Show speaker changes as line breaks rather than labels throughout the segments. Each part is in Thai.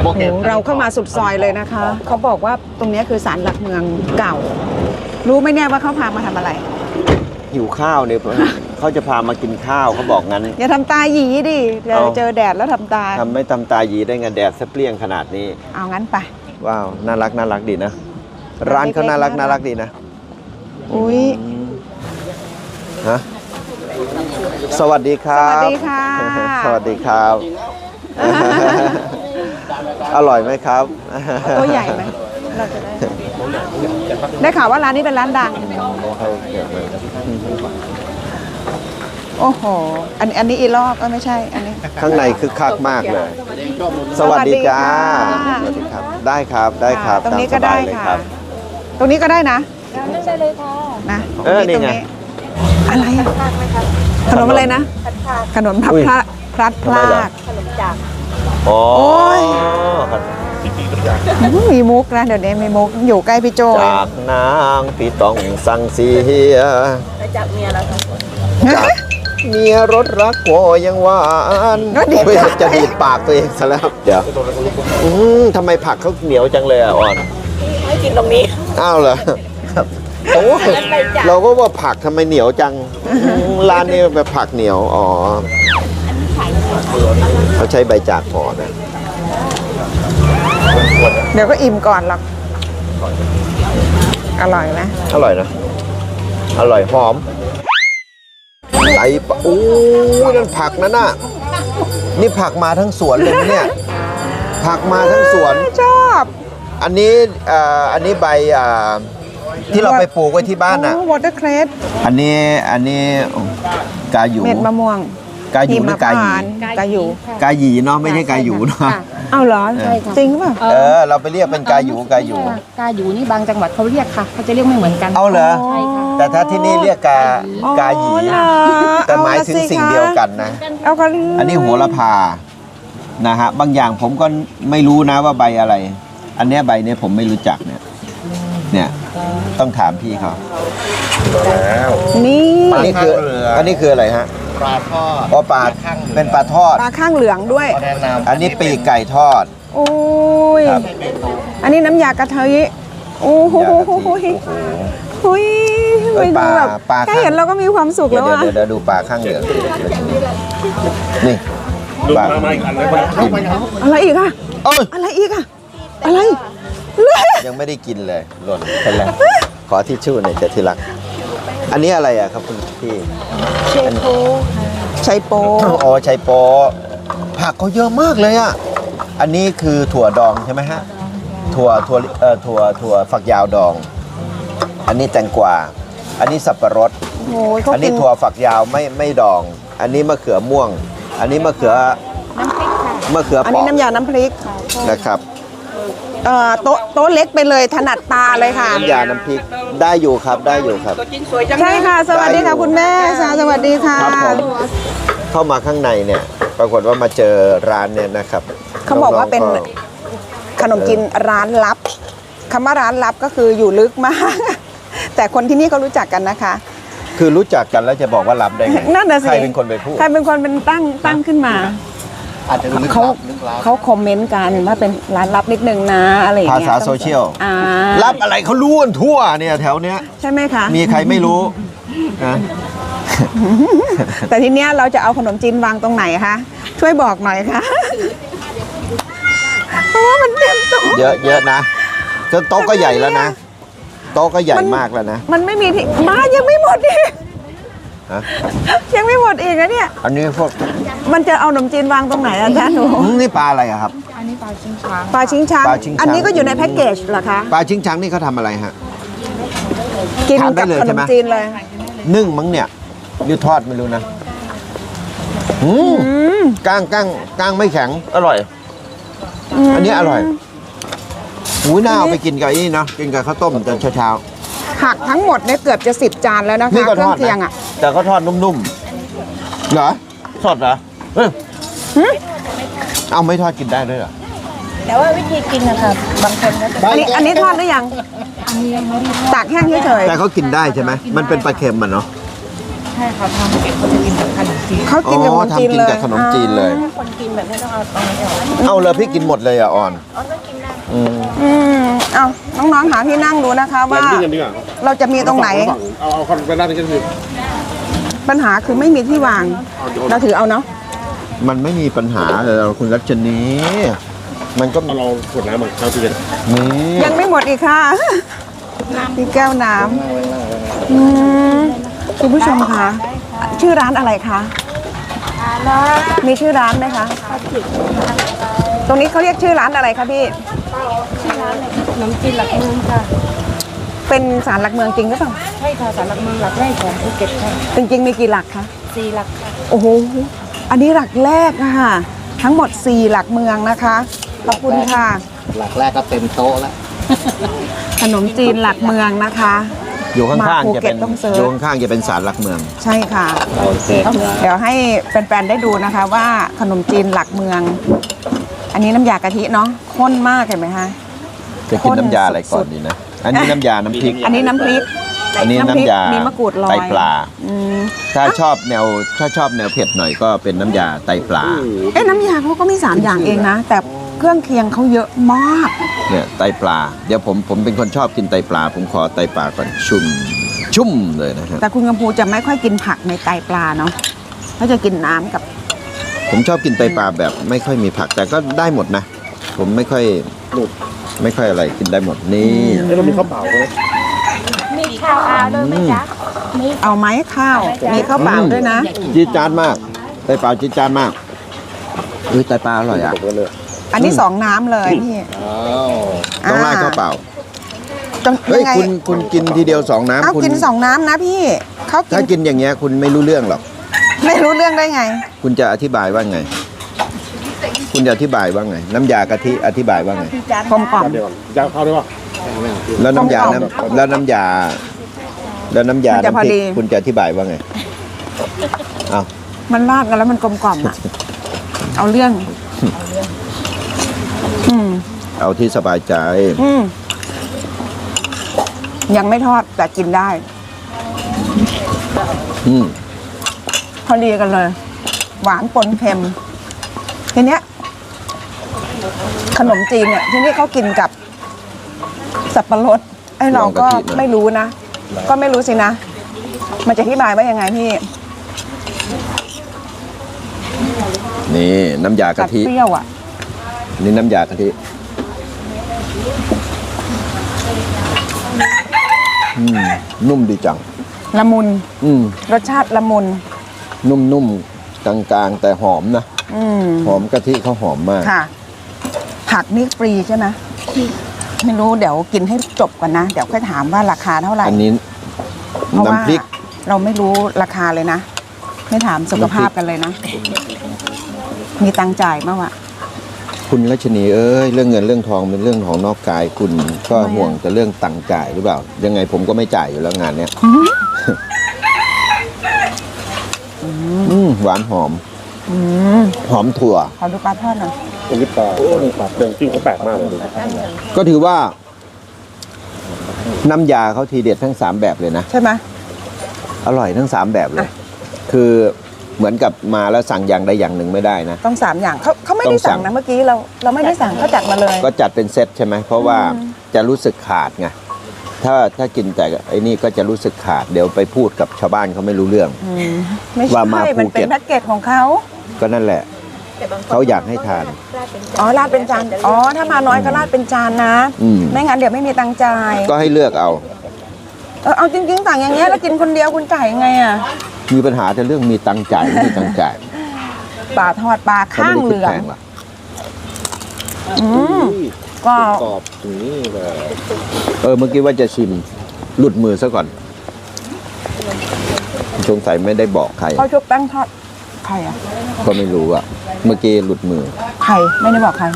โอ้โหเราเข้ามาสุดซอยเลยนะคะเขาบอกว่าตรงนี้คือศาลหลักเมืองเก่ารู้ไหมเนี่ยว่าเขาพามาทำอะไร
หิวข้าวเนี่ยเขาจะพามากินข้าวเขาบอกงั้น
อย่าทำตาหยีดิเจอแดดแล้วทำตา
ไม่ทำตาหยีได้ไงแดดเปรี้ยงขนาดนี้
เอางั้นไป
ว้าวน่ารักดีนะร้านเขาน่ารักดีนะ
อุ้ย
ฮะสวัสดีครับ
สวัสดีค่ะ
สวัสดีครับ อร่อยไหมครับ
ตัวใหญ่ไหมเราจะได้ข่าวว่าร้านนี้เป็นร้านดังโอ้โหอันนี้อีลอกก็ไม่ใช่อันนี้
ข้างในคึกคักมากเลยสวัสดีจ้าสวัสดีครับได้ครับ
ตรงนี้ก็ได้ค่ะตรงนี้ก็ได้นะ
ได้เลยค่ะ
นะ
นี่ไง
อะไรอะขนมอะไรนะขนมพับพลัดพลาก
ขนมจาก
โอ้ย
มีมุกนะเดี๋ยวนี้มีมุกอยู่ใกล้พี่โจ
จากนางพี่ต้องสั่งเสีย
จากเมียแล้วค่ะ
จากเมียรถรักโวยังหวานจะดีดปากตัวเองซะแล้วเดี๋ยวทำไมผักเขาเหนียวจังเลยอ่ะอ่อน
ให้กินตรงนี้
อ้าวเหรอโอ้เราก็ว่าผักทำไมเหนียวจังร้านนี้แบบผักเหนียวอ๋อเขาใช้ใบจากห่อนะ
เดี๋ยวก็อิ่มก่อนหรอกอร่อยไหม
อร่อยนะอร่อยหอมไอ้โอ้ยนั่นผักนั่นน่ะนี่ผักมาทั้งสวนเลยเนี่ยผักมาทั้งสวน
ชอบ
อันนี้ใบที่เราไปปลูกไว้ที่บ้านน่ะ
วอเตอร์เครส
อันนี้กาหยู
เม็ดมะม่วง
กาหยูหรือกาหยี
กาหยู
กาหยีเนาะไม่ใช่กาหยูเนาะ
เอาเหรอใช่ค่ะจริงป่ะ
เราไปเรียกเป็นกาหยู
กาหยูนี่บางจังหวัดเขาเรียกค่ะเขาจะเรียกไม่เหมือนกัน
เอาเหรอใช่ค่ะแต่ถ้าที่นี่เรียกกาหยีแต่หมายถึงสิ่งเดียวกันนะอันนี้โหระพานะฮะบางอย่างผมก็ไม่รู้นะว่าใบอะไรอันนี้ใบนี้ผมไม่รู้จักเนี่ยต้องถามพี่เขา
แล้วนี่
อันนี้คืออะไรฮะ
ปลาทอด
ปลาเป็นปลาทอด
ปลาข้างเหลืองด้วย
อันนี้ปีกไก่ทอด
โอ้ยอันนี้น้ำยากะทิโอ้โหไปดูแบบแค่เห็นเราก็มีความสุขแล้วอ่ะ
เดี๋ยวดูปลาข้างเหลืองนี่ปลา
อะไรอีกอะอะไรอีกอะอะไร
ยังไม่ได้กินเลยหล่นไปแล้วขอทิชชู่หน่อยจะที่รักอันนี้อะไรอะครับคุณพี่
ชัยโป
อ๋อชัยโปผักเขาเยอะมากเลยอะอันนี้คือถั่วดองใช่ไหมฮะถั่วฝักยาวดองอันนี้แตงกวาอันนี้สับปะรดอันนี้ถั่วฝักยาวไม่ดองอันนี้มะเขือม่วงอันนี้มะเขือ
อันนี้น้ำยาน้ำพริก
นะครับ
โต๊ะเล็กไปเลยถนัดตาเลยค่ะ
น้ำยาน้ำพริกได้อยู่ครับ
ใช่ค่ะสวัสดีค่ะคุณแม่สวัสดีค่ะ
ครับผมเข้ามาข้างในเนี่ยปรากฏว่ามาเจอร้านเนี่ยนะครับ
เขาบอกว่าเป็นขนมจีนร้านลับคำว่าร้านลับก็คืออยู่ลึกมากแต่คนที่นี่เขารู้จักกันนะคะ
คือรู้จักกันแล้วจะบอกว่าลับได้ไง
นั่นน่ะสิ
ใครเป็นคนไปพูด
ใครเป็นคนเป็นตั้งขึ้นมาเขาคอมเมนต์กันว่าเป็นร้านลับนิดนึงนะอะไรอย่างเงี้ย
ภาษาโซเชียลลับอะไรเขารู้กันทั่วเนี่ยแถวเนี้ย
ใช่ไหมคะ
มีใครไม่รู้นะ
แต่ทีเนี้ยเราจะเอาขนมจีนวางตรงไหนคะช่วยบอกหน่อยค่ะเพราะว่ามันเต็มโต๊ะ
เยอะนะจนโต๊ะก็ใหญ่แล้วนะโต๊ะก็ใหญ่มากแล้วนะ
มันไม่มีที่มายังไม่หมดอีกยังไม่หมดอีกนะเนี่ย
อันนี้พวก
มันจะเอาขนมจีนวางตรงไหนอาจารย์หนู
นี่ปลาอะไรครับ
อันนี้ปลาชิงช้าง
ปลาชิงช้างอันนี้ก็อยู่ในแพ็กเกจเหรอคะ
ปลาชิงช้างนี่เขาทำอะไรฮะ
กินกับขนมจีนเลย
นึ่งมั้งเนี่ยหรือทอดไม่รู้นะก้างไม่แข็งอร่อยอันนี้อร่อยหูน่าเอาไปกินกับนี่เนาะกินกับข้าวต้มตอนเช้า
ผักทั้งหมดเนี่ยเกือบจะ10 จานแล้วนะคะเครื่องเคียงอ่ะ
แต่เขาทอดนุ่มๆเหรอสดเหรอเอาไม่ทอดกินได้ด้วยเหรอ
แต่ว่าวิธีกินนะคะบางคนก็
อันนี้ทอดหรือยังตากแห้งเฉย
แต่เขากินได้ใช่ไหมมันเป็นปลาเค็มมันเนาะ
ใช่ค่ะทางเก็บเขาจะกินแบบขนม
เขากินกับขนมจีน
ทำกิน
เลย
กับขนมจีนเลย
คนกินแบบนี้ต้องเอาตรงนี้ออก
เอาเลยพี่กินหมดเลยอ่ะออน อืม
เอาน้องๆหาที่นั่งดูนะคะว่า
ดิ้งกันดีกว่า
เราจะมีตรงไหน
เอาคนไปด้านนี้กันคือ
ปัญหาคือไม่มีที่วาง เราถือเอาเนาะ
มันไม่มีปัญหาเลยคุณรัชนีมันก็
เอาเราขวดน้ำมาเข้าตู้เย็น
นี่
ยังไม่หมดอีกค่ะมีแก้วน้ำคุณผู้ชมคะชื่อร้านอะไรคะมีชื่อร้านไหมคะตรงนี้เขาเรียกชื่อร้านอะไรคะพี่
ขนมจีนหลักเมืองค่ะ
เป็นศาลหลักเมืองจริงหรือเปล่า
ใช่ค่ะศาลหลักเมืองหลักแรกของภูเก็ตค่ะ
จริงๆมีกี่หลักคะ
4 หลักค่ะ
โอ้โหอันนี้หลักแรกอะค่ะ ทั้งหมด4หลักเมืองนะคะขอบคุณค่ะ
หลักแรกก็เต็มโต๊ะแล้ว
ขนมจีนหลักเมืองนะคะ
อยู่ข้าง
มาภู
ๆจะ
เก็
เป็
ต
น
ต้องเสิร์ช
อยู่ข้างๆจะเป็นศาลหลักเมือง
ใช่ค่ะ
โอเค
เดี๋ยวให้แฟนๆได้ดูนะคะว่าขนมจีนหลักเมือง อันนี้น้ำยากะทิเนาะข้นมากเห็นไหมคะ
จะกินน้ำยาอะไรก่อนดีนะ อันนี้น้ำยาน้ำพริก
อันนี้น้ำพริก
อันนี้น้ำยา
มีมะกรูดลอย
ไตปลา
อืม
ถ้าชอบแนวเผ็ดหน่อยก็เป็นน้ำยาไตปลา
เอ๊ะน้ำยาเขาก็มี3อย่างเองนะ แต่เครื่องเคียงเขาเยอะมาก
เนี่ยไตปลา เดี๋ยวผมเป็นคนชอบกินไตปลา ผมขอไตปลาก่อนชุ่มเลยนะฮะ
แต่คุณกำพูจะไม่ค่อยกินผักในไตปลาเนาะเขาจะกินน้ำกับ
ผมชอบกินไตปลาแบบไม่ค่อยมีผัก แต่ก็ได้หมดนะ ผมไม่ค่อยอะไรกินได้หมดนี่
เอ้ยเรามีข้าวเปล่าไหม
มีข้าวอาด้วยไหมจ๊ะ
เอาไหมข้าว มีข้าวเปล่าด้วยนะ
จี๊ดจ๊าดมาก ไตปลาจี๊ดจ๊าดมากไตปลาอร่อยอ่ะ
ผมก็เลย
อันนี้2น้ำเลยพี่
ต้องราดข้าวเปล่า
ต้อง
เฮ้ย
ยังไง
คุณกินทีเดียว2 น้ำ
เอา
คุณ
กิน2น้ำนะพี่เขากิ
ถ้าน กินอย่างเงี้ยคุณไม่รู้เรื่องหรอก
ไม่รู้เรื่องได้ไง
คุณจะอธิบายว่าไง คุณจะอธิบายว่าไง น้ำยากะทิอธิบายว่าไง
กลมกล่อม
เดี๋ยวก่อนจะเอาข้าวด้วยป่ะ
แล้วน้ำยา
ต้ม
แล้วน้ำยา
มันจะพอ
น้ำพริ
ดี
กคุณจะอธิบายว่าไงอ้าว
มันราดกันแล้วมันกลมกล่อมอะเอาเรื่อง อืม
เอาที่สบายใจ
อืมยังไม่ทอดแต่กินได้
อืม
พอดีกันเลย หวานปนเค็ม ทีเนี้ย ขนมจีนเนี่ย ที่นี่เขากินกับ สับปะรดไอ้เราก็ไม่รู้นะ ก็ไม่รู้สินะ มันจะอธิบายว่ายังไงพี่
นี่น้ำยา
กั
กะ
ด
ทิ
เปรี้ยวอ่ะ
นี่น้ำยากะทินุ่มดีจัง
ละมุน
อืม
รสชาติละมุน
นุ่มๆกลางๆ แต่หอมนะ
อืม
หอมกะทิเขาหอมมาก
ค่ะ ผักนี่ฟรีใช่ไหมไม่รู้เดี๋ยวกินให้จบก่อนนะ เดี๋ยวค่อยถามว่าราคาเท่าไหร่
อันนี้
เพราะว่า
น้ำพริก
เราไม่รู้ราคาเลยนะ ไม่ถามสุขภาพกันเลยนะ มีตังค์จ่ายมากวะ
คุณรัชนีเอ้ยเรื่องเงินเรื่องทองเป็นเรื่องของนอกกายคุณก็ห่วงแต่เรื่องตังค์จ่ายหรือเปล่า ยังไงผมก็ไม่จ่ายอยู่แล้วงานเนี้ยหวานหอม หอมถั่ว
ขอดูปลาทอดหน่อย
ตรงนี้ปลาเดินจิ้มเขาแปลกมากเลย
ก็ถือว่า น้ำยาเขาทีเด็ดทั้ง3แบบเลยนะ
ใช่ไหม
อร่อยทั้ง3แบบเลย คือเหมือนกับมาแล้วสั่งอย่างใดอย่างหนึ่งไม่ได้นะ
ต้อง3อย่างเขาไม่ได้
ต้องสั่
สั่ง
ง
นะเมื่อกี้เราไม่ได้สั่งเขาจัดมาเลย
ก็จัดเป็นเซตใช่ไหมเพราะว่าจะรู้สึกขาดไงถ้ากินแต่ไอ้นี่ก็จะรู้สึกขาด เดี๋ยวไปพูดกับชาวบ้านเขาไม่รู้เรื่อง
ไม่
ว่า
ใช่
มาภู
มันเป็
เก็
น
ต
แพ็กเกจของเขา
ก็นั่นแหละ เขาอยากให้ทาน
อ๋อราดเป็นจานอ๋อถ้ามาน้อยก็ราดเป็นจานนะ
อืม
ไม่งั้นเดี๋ยวไม่มีตังค์จ่าย
ก็ให้เลือกเอา
เอาจริงๆสั่งอย่างเงี้ยแล้วกินคนเดียวคุณจ่ายยังไงอ่ะ
มีปัญหาแต่เรื่องมีตังค์จ่ายไม่มีตังค์จ่าย
ปลาทอดปลา
เขา
ข้า
ไม่
ง
ได้คิ
เห
ด
ลือ
แพ
ง
งหรอก
ก็
กรอบถึงนี่เลย
เมื่อกี้ว่าจะชิมหลุดมือซะก่อนสงสัยไม่ได้บอกใคร
เขาชุบแป้งทอดใครอ่ะ
ก็ไม่รู้อะเมื่อกี้หลุดมือ
ใครไม่ได้บอกใคร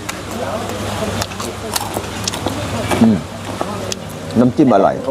น้ำจิ้มอร่อย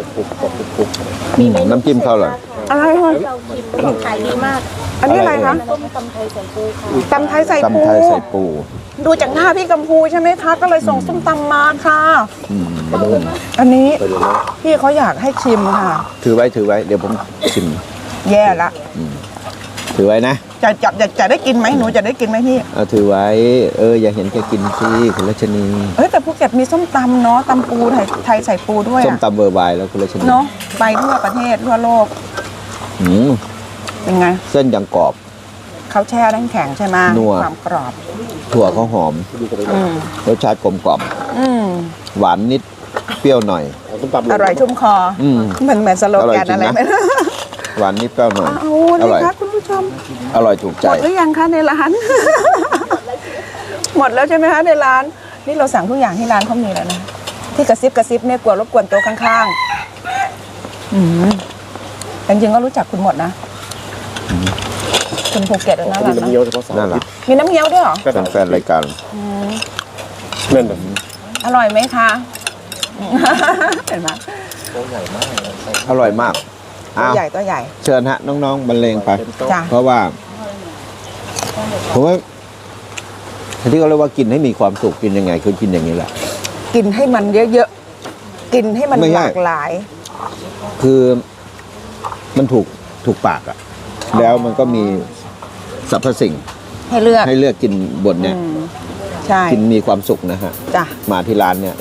น้ำจิ้มเขาอร่อย
อะไรคะ
ขายดีมาก
อันนี้อะไรคะ
ต้มตำไทยใส่ปูค่ะ
ตำไทยใส่ปู
ตำไทยใส่ปู
ดูจากหน้าพี่กัมพูใช่ไหมคะ ก็เลยส่งส้มตำมาค่ะ อันนี้พี่เขาอยากให้ชิมค่ะ
ถือไว้เดี๋ยวผมชิม
แย่ละ
ถือไว้นะ
จะได้กินไหมหนูจะได้กินไหมพี่
เอาถือไว้ อย่าเห็นแกกินสิคุณรัชนี
แต่ภูเก็ตมีส้มตำเนาะตำปูไทยใส่ปูด้วย
ส้มตำเบอร์บายแล้วคุณรัชนี
เนาะไปทั่วประเทศทั่วโลก
อืม
เป็นไง
เส้นยังกรอบ
เขาแช่น้ำแข็งใช่ไหม
นัว
ความกรอบ
ถั่วเขาหอม
อืม
รสชาติกลมกล่อม
อืม
หวานนิดเปรี้ยวหน่อย
เอาต้มตำ
อร่อยชุ่มคอ
อืม
เหมือนสโลแกน
อร่อยจริง
อะไร
นะ
ไม่รู้
หวานนิดเปรี้ยวหน่อย
เอา
อ
เลย
ร่อย
ค่ะคุณผู้ชม
อร่อยถูก
ห
ใจ
มดหรือยังคะในร้าน หมดแล้วใช่ไหมคะในร้าน นี่เราสั่งทุกอย่างที่ร้านเขามีแล้วนะ ที่กระซิบเนี่ยกลัวรบกวนโต๊ะข้างๆจริงๆก็รู้จักคุณหมดนะคุณภูเก็ตนะ
มี
ร้าน
น้ำ
นะ
เงี้ยวเฉพาะเสาร์
นั่น
อา
แห
ทิ
ละ
ตย์
มีน้ำเงี้ยวด้วยเหรอ
เป็นแฟนรายการ
นั่นน่ะ
อร่อยไหมคะ เห็นไหม
อร่อยมาก
ตัว
อ้าว
ใหญ่ตัวใหญ่
เชิญฮะน้องๆบรรเลงไป
เป็นโต๊ะ
จ้ะ
เพราะว่าผมว่าที่เขาเรียกว่ากินให้มีความสุขกินยังไงคือกินอย่างนี้แหละ
กินให้มันเยอะๆ กินให้มัน
ไม่
ห
ใช่
ลากหลาย
คือมันถูกปากอะแล้วมันก็มีสรรพสิ่ง
ให้เลือก
ให้เลือกกินบนเนี่ย
ใช่
กินมีความสุขนะฮะ
จ้ะ
มาที่ร้านเนี่ย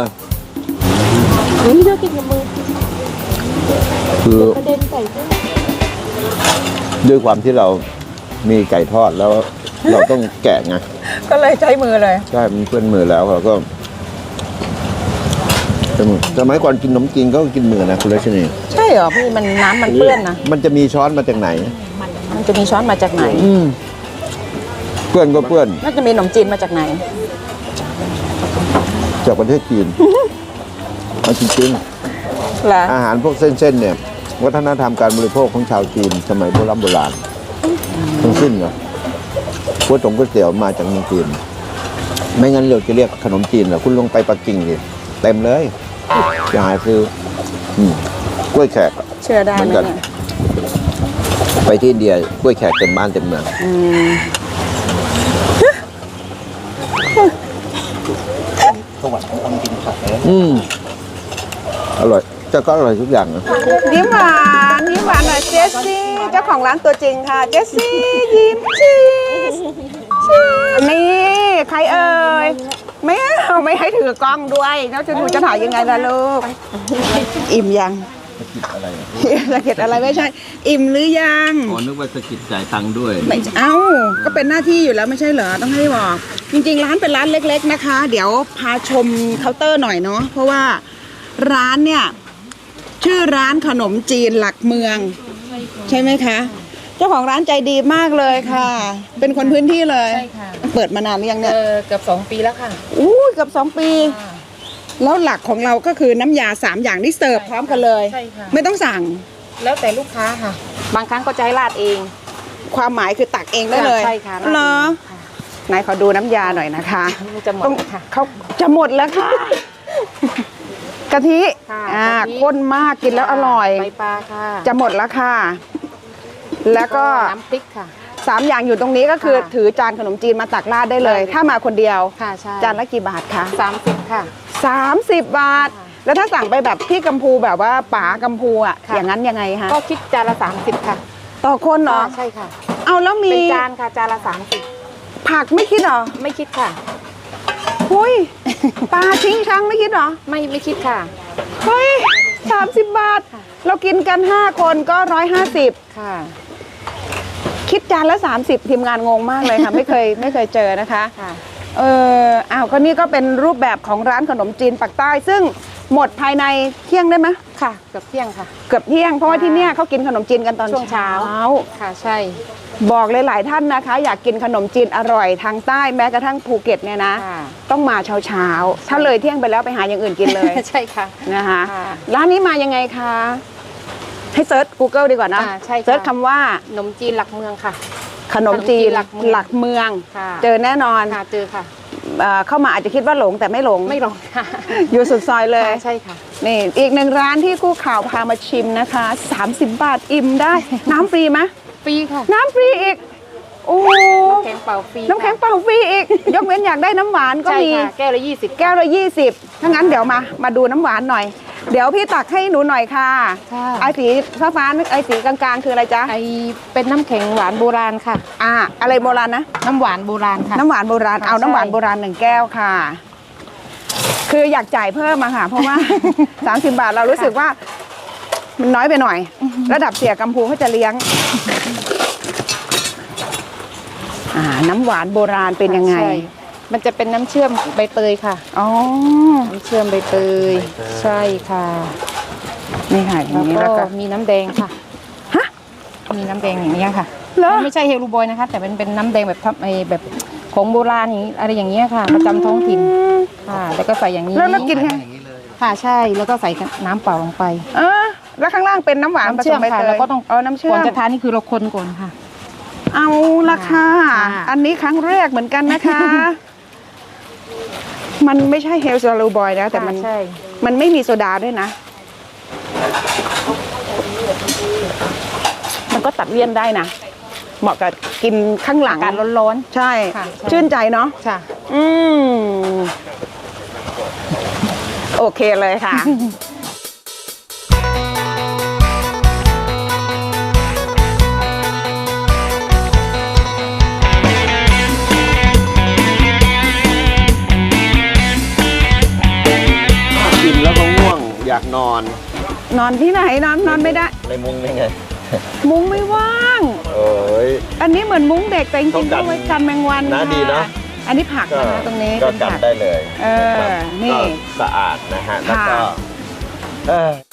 นี่เลือกกินกับมือ
คือ
ประเด็นใส่ด้วย
ด้วยความที่เรามีไก่ทอดแล้วเราต้องแกะไง
ก็เลยใช้มือเลย
ใช่มันเพื่อนมือแล้วเราก็สมัยก่อนกินขนมจีนก็กินมือนะคุณรัชนี
ใช่เหรอพี่มันน้ำมันเปื้อนนะ
มันจะมีช้อนมาจากไหน
มันจะมีช้อนมาจากไหน
เพื่อนก็เพื่อน
น่าจะมีขนมจีนมาจากไหน
จากประเทศจีนเอาจริง
เหรอ
ๆอาหารพวกเส้นๆเนี่ย วัฒนธรรมการบริโภคของชาวจีน สมัยโบราณทั้งสิ้นเนาะก๋วยเตี๋ยวมาจากเมืองจีน ไม่งั้นเราจะเรียกขนมจีนเหรอคุณลงไปปักกิ่งดิเต็มเลยจะหาซื้อกล้วยแขก
เชื่อได้
เหมือน
ไหม
กัน
เนี่ย
ไปที่อินเดียกล้วยแขกเต็มบ้านเต็มเมือง
สวรรค์ของคนกินผักเลย
อร่อยจะก็อร่อยทุกอย่างนะ
ยิ้มหวานหน่อยเจสซี่เจ้าของร้านตัวจริงค่ะเจสซี่ยิ้มชีสนี่ใครเอ่ยไม่ให้ถือกล้องด้วยแล้วจะหนูจะถ่ายยังไงล่ะลูกอิ่มยังสะกิดอะไรไม่ใช่ อิ่มหรือยัง
อ๋อนึกว่าสกิดจ่ายตังค์ด้วย
ไม่เอ้าก็เป็นหน้าที่อยู่แล้วไม่ใช่เหรอต้องให้บอก จริงๆร้านเป็นร้านเล็ก ๆนะคะ เดี๋ยวพาชมเคาน์เตอร์หน่อยเนาะเพราะว่าร้านเนี่ยชื่อร้านขนมจีนหลักเมือง ใช่ไหมคะ เจ้าของร้านใจดีมากเลยค่ะ เป็นคนพื้นที่เลย
ใช่ค่ะ
เปิดมานานหรือยังเนี่ย
เกือบ2 ปีแล้วค่ะ
อู้เกือบ2 ปี แล้วหลักของเราก็คือน้ำยา3อย่างที่เสิร์ฟพร้อมกันเลย
ใช่ค่ะ
ไม่ต้องสั่ง
แล้วแต่ลูกค้าค่ะ บางครั้งก็จะให้ราดเอง
ความหมายคือตักเองได้เลย
ใช่ค่ะราดเอง
เหรอ
ค่ะ
ไหนขอดูน้ำยาหน่อยนะคะ
มันจะหมด
ต้อง
ค่ะ
เขาจะหมดแล้วค่ะ กะทิ
ค่ะ
อ่าก
ะทิ
ข้นมากกินแล้วอร่อย
ใบปลาค่ะ
จะหมดแล้วค่ะ แล้วก็
น้ำพริกค่ะ
3 อย่างอยู่ตรงนี้ก็คือ
ค่ะ
ถือจานขนมจีนมาตักราดได้เลย
ได้เลย
ถ้ามาคนเดียว
ค่ะใช่
จานละกี่บาทคะ
30ค่ะ
30 บาท
ค่ะ
แล้วถ้าสั่งไปแบบพี่กัมพูแบบว่าป๋ากัมพูอ่ะ
ค่ะ
อย่างนั้นยังไงคะ
ก็คิดจานละ30ค่ะ
ต่อคนเหรอ
ใช่ค่ะ
เอาแล้วมี
เป็นจานค่ะจานละ
ผักไม่คิดเหรอ
30ไม่คิดค่ะ
หุยปลาชิงช้างไม่คิดเหรอ
ไม่คิดค่ะ
เฮ้ย30 บาท
ค่ะ
เรากินกัน 5 คนก็ 150
ค่ะ
คิดจานละ 30 ทีมงานงงมากเลยค่ะ ไม่เคยเจอนะคะ
ค่ะ
อ้าวก็นี่ก็เป็นรูปแบบของร้านขนมจีนปากใต้ ซึ่งหมดภายในเที่ยงได้ไหม
ค่ะเกือบเที่ยงค่ะ
เกือบเที่ยงเพราะว่าที่เนี่ยเขากินขนมจีนกันตอน
ช่วงเช้า ค่ะใช่
บอกเลยหลายท่านนะคะ อยากกินขนมจีนอร่อยทางใต้แม้กระทั่งภูเก็ตเนี่ยนะ
ค่ะ
ต้องมาเช้าถ้าเลยเที่ยงไปแล้วไปหาอย่างอื่นกินเลย
ใช่ค่ะ
นะคะ
ค่ะ
ร้านนี้มายังไงคะให้เซิร์ช Google ดีกว่านะ
ใช่ค่ะ
เซิร์ชคำว่า
ขนมจีนหลักเมืองค่ะ
ขนมจีน
ขนมจีนหลักเมือง ค่ะ
เจอแน่นอน
ค่ะเจอค่ะ
เข้ามาอาจจะคิดว่าหลงแต่ไม่หลง
ไม่ลงค่ะ
อยู่สุดซอยเลย
ค่ะใช่ค่ะ
นี่อีกหนึ่งร้านที่คู่ข่าวพามาชิมนะคะ 30 บาทอิ่มได้ น้ำฟรีไหม
ฟรีค่ะ
น้ำฟรีอีก โอ้โห
น้ำแข็งเปล่าฟรี
น้ำแข็งเปล่าฟรีอีก ยกเว้นอยากได้น้ำหวานก็
ใช่
มี
ค่ะแก้วละ20
แก้วละ20ถ้างั้นเดี๋ยวมาดูน้ำหวานหน่อยเดี๋ยวพี่ตักให้หนูหน่อยค่ะ
ค่ะ
ไอ้สีฟ้าๆไอ้สีกลางๆคืออะไรจ๊ะ
ไอเป็นน้ำแข็งหวานโบราณค่ะ
อะไรโบราณนะ
น้ำหวานโบราณค่ะ
น้ำหวานโบราณ
ค่ะ
เอาน้ำหวาน
ใช่
โบราณ1 แก้วค่ะ คืออยากจ่ายเพิ่มมาค่ะ เพราะว่า 30 บาทเรารู้สึกว่า มันน้อยไปหน่อย ระดับเสียกัมพูเขาจะเลี้ยง น้ำหวานโบราณเป็นยังไง
ใช่มันจะเป็นน้ำเชื่อมใบเตยค่ะ
อ๋อ
น้ำเชื่อมใบเตย ใช่ค่ะ
นี่ค่ะอย่างนี้
แล้
แล้ว ว
ก็
ก็
มีน้ำแดงค่ะ
ฮะ
มีน้ำแดงอย่างนี้ยค่ะ
เหรอ
มันไม่ใช่เฮลูบอยนะคะ แต่เป็นน้ำแดงแบบแบบของโบราณอย่างนี้อะไรอย่างเงี้ยค่ะ ประจำท้องถิ่นค่ะ แล้วก็ใส่อย่างนี้
แล้วกินไง
ค่ะใช่แล้วก็ใส่น้ำเปล่าลงไป
แล้วข้างล่างเป็นน้ำหวานผ
น้ำ
ส
เชื่อ
ม
ม
ใบ
ค่ะ
เตย
แล้วก็ต้อง
น้ำเชื่อ
ก่อน
ม
จะทานนี่คือเราคนก่อนค่ะ
เอาละค่ะ
ค่ะ
อันนี้ครั้งแรกเหมือนกันนะคะ มันไม่ใช่เฮลซาลูบอยนะ แต่มัน
ใช่
มันไม่มีโซดาด้วยนะ มันก็ตัดเลี่ยนได้นะ เหมาะกับกินข้างหลัง
การร้อน
ใช่
ค่ะใช่
ชื่นใจเนาะ
ๆค่ะ
อืม โอเคเลยค่ะ
กินแล้วก็ง่วงอยากนอน
นอนที่ไหนนอนไม่ได้
ในมุ้งนี่ไง
มุ้งไม่ว่าง
โอ้ย
อันนี้เหมือนมุ้งเด็กแต่จริงๆ
ต้องกัน
ก็ไว้กันแมงวัน
นะ
ค่
ดีเนอะ
อันนี้ผักนะคะตรงนี้
ก็
เป็น
กัน
ผัก
ได้เลย
เออนี่
ก็สะอาดนะฮะ แล้วก็
ค่ะ
เออ